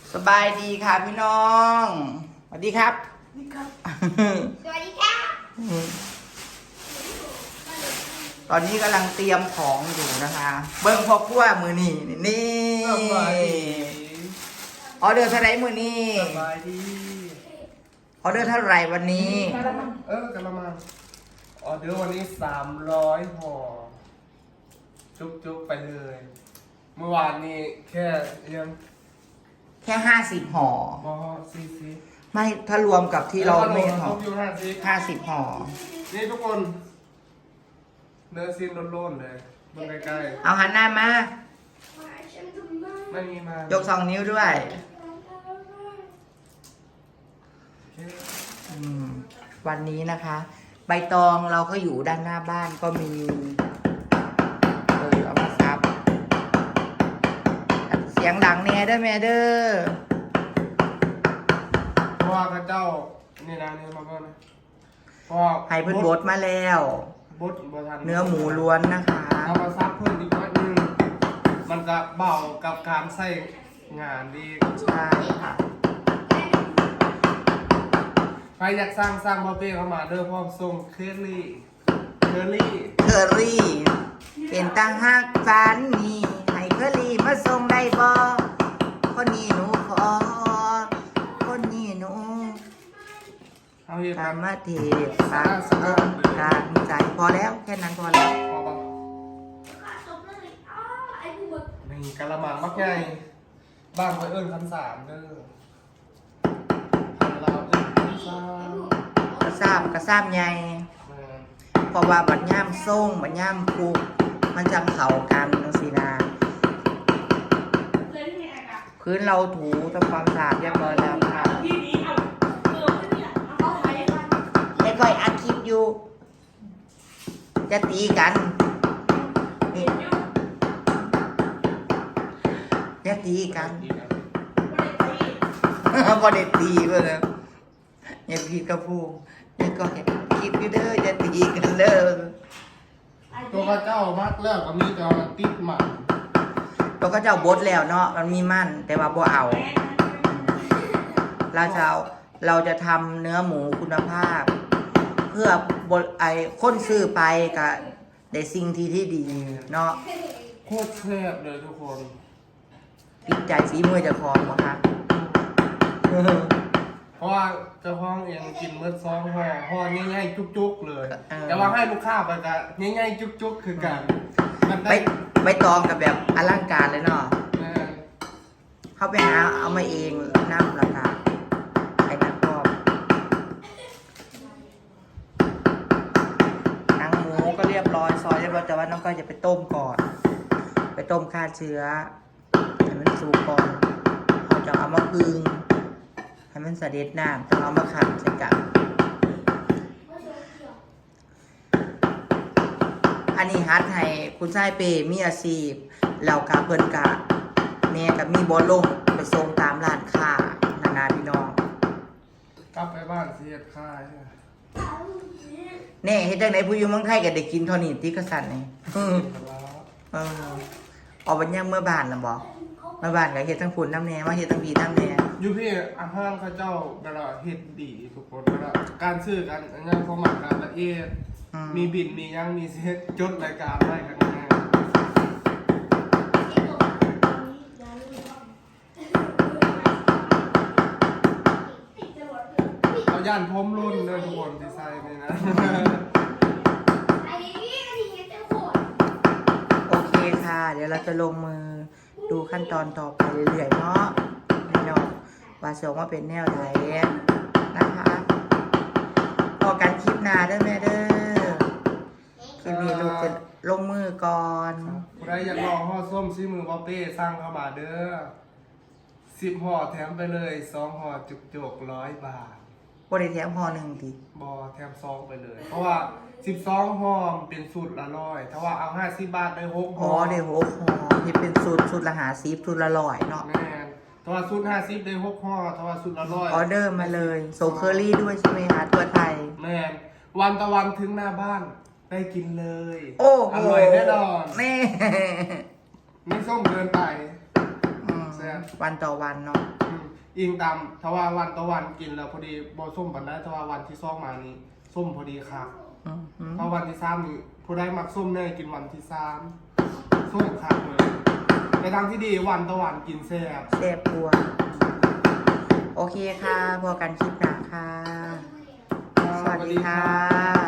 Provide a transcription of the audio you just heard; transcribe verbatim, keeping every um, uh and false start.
สบายดีค่ะพี่น้องสวัสดีครับสวัสดีครับสวัสดีครับตอนนี้กำลังเตรียมของอยู่นะคะ เบิ้งพ่อครัวมือนี่นี่ออเดอร์เท่าไรมือนี่สบายดีออเดอร์เท่าไรวันนี้เออกระมังออเดอร์วันนี้สามร้อยห่อจุกจุกไปเลย เมื่อวานนี้แค่ยังแค่ห้าสิบห่อบอซีซีไม่ถ้ารวมกับที่เราไม่ห่อต้องอยู่ห้าสิบห้าสิบห่อนี่ทุกคนเนื้อซีนโล่นๆเลยเบิ่งใกล้เอาหันหน้ามาๆไม่มีมายกสองนิ้วด้วยโอเคอืมวันนี้นะคะ ใบตองเราก็อยู่ด้านหน้าบ้านก็มีเออเอามาซับเสียงดังแน่เด้อแม่เด้อเพราะว่าพระเจ้านี่นะนี่มาเบิ่งนะเพราะว่าให้เพิ่นบดมาแล้วบดบ่ทันเนื้อหมูล้วนนะคะเอามาซับเพิ่มอีกน้อยนึงมันจะเบากับการใส่งานดีใช่ค่ะใครอยากสร้างสร้างบอเป้เข้ามาเด้อพร้อมส่งเคอรี่เคอรี่เคอรี่เป็นตั้งหักฝันนี่ให้เคอรี่มาส่งได้บ่คนนี้หนูขอคนนี้หนูเอาเห็ดตามแบบมาเทศสามสองการใจพอแล้วแค่นั้นพอแล้วพอปะนี่กะละมังมักใหญ่บ้างไว้เอิ้นคันสามเด้อพันลาวเอิ้นคันสามกระซาบกระซาบใหญ่แม่นเพราะว่าบัดย่ามส่งบัดย่ามคุกมันจังเข้ากันจังซี่นะพื้นเราถูทำความสะอาดเรียบร้อยแล้วค่ะไม่ค่อยอัดคลิปอยู่ จะตีกันนี่จะตีกันดีนะพอได้ตีก็แล้วอย่าพีกระพูอย่าก็เห็นคลิปอยู่เด้อจะตีกันเด้อตัวข้าเจ้ามักแล้วก็มีแต่ว่าติดหมันเราก็จะเอาบดแล้วเนาะมันมีมั่นแต่ว่าบ่เอาเราจะเอาเราจะทำเนื้อหมูคุณภาพ เพื่อบดไอ้คนซื้อไปกับได้สิ่งที่ที่ดีเนาะโคตรแซ่บเลยทุกคนติดใจฝีมือเจะคองบ่คะเพราะว่าเจ้าของเองกินเมื่อซองห่อห่อง่ายๆจุกๆเลย แต่ว่าให้ลูกค้าไปกันง่ายๆจุกๆคือกันมันไปได้ไปตองกับแบบอลังการเลยเนาะแม่เข้าไปหาเอามาเองน้ำราคาไอ้นักพอบหนังหมูก็เรียบร้อยซอยเรียบร้อยแต่ว่าน้องก็จะไปต้มก่อน ไปต้มฆ่าเชื้อให้มันสุกก่อนเราจะเอามาพึ่งให้มันเสด็จน้ำต้องเอามาขัดใส่กันอันนี้ฮัดให้คุณชายเปมีอาชีพเรากาเพิ่นกะแม่กับมีบอลลงไปส่งตามร้านค้านานาพี่น้องกลับไปบ้านเสียดค่ายแน่เฮ็ดจังไดผู้อยู่เมืองไทยก็ได้กินเท่านี้ที่กษัตริย์นี่อือเออเอาบัดยังเมื่อบ้านน่ะบ่เมื่อบ้านก็เฮ็ดทั้งฝุ่นน้ำแน่มาเฮ็ดทั้งพี่ทั้งแน่อยู่พี่อาหารข้าเจ้าเวลาเฮ็ดดีทุกคนเวลาการซื้อกันอันนี้เขาหมักการละเอียดอืมมีบินมียังมีเซ็ตจดรายการไว้กันง่ายเอาย่านพรมรุ่นเลยทุกคนดีไซน์เลยนะโอเคค่ะ เดี๋ยวเราจะลงมือดูขั้นตอนต่อไปเรื่อยๆเนาะพี่น้องว่าสิออกมาเป็นแนวใดนะคะพอกันคลิปหน้าเด้อแม่เด้อคลิปนี้ลูกจะลงมือก่อนใครอยากลองห่อส้มซีมือบอเป้สร้างเข้ามาเด้อสิบห่อแถมไปเลยสองห่อจุกจุกร้อยบาทบ่ได้แถมห่อหนึ่งทีบอแถมซองไปเลย เพราะว่าสิบสองห่อมเป็นสูตรละร้อยถ้าว่าเอาห้าสิบบาทได้หกอ๋ห่ออเดี๋ยวหกห่อที่เป็นสูตรสูตรละหาซีฟสูตรละร้อยเนาะแม่นถ้าว่าสูตรห้าสิบได้หกห่อถ้าว่าสูตรละร้อยออเดอร์มาเลยส่งเคอรี่ด้วยใช่ไหมคะตัวไทยแม่นวันตะวันถึงหน้าบ้านได้กินเลยโอ้โหอร่อยแน่นอนแม่ไม่ส้มเกินไปอืมแซ่บวันต่อวันเนาะอืมอิงตามถ้าว่าวันต่อวันกินแล้วพอดีบ่ส้มปานได้ถ้าว่าวันที่สองมานี้ส้มพอดีค่ะอืมอืมถ้าวันที่สามนี่ผู้ได้มักส้มแน่กินวันที่สามส้มค่ะเลยในทางที่ดีวันต่อวันกินแซ่บแซ่บกลัวโอเคค่ะพอกันคลิปหน้าค่ะ สวัสดีค่ะ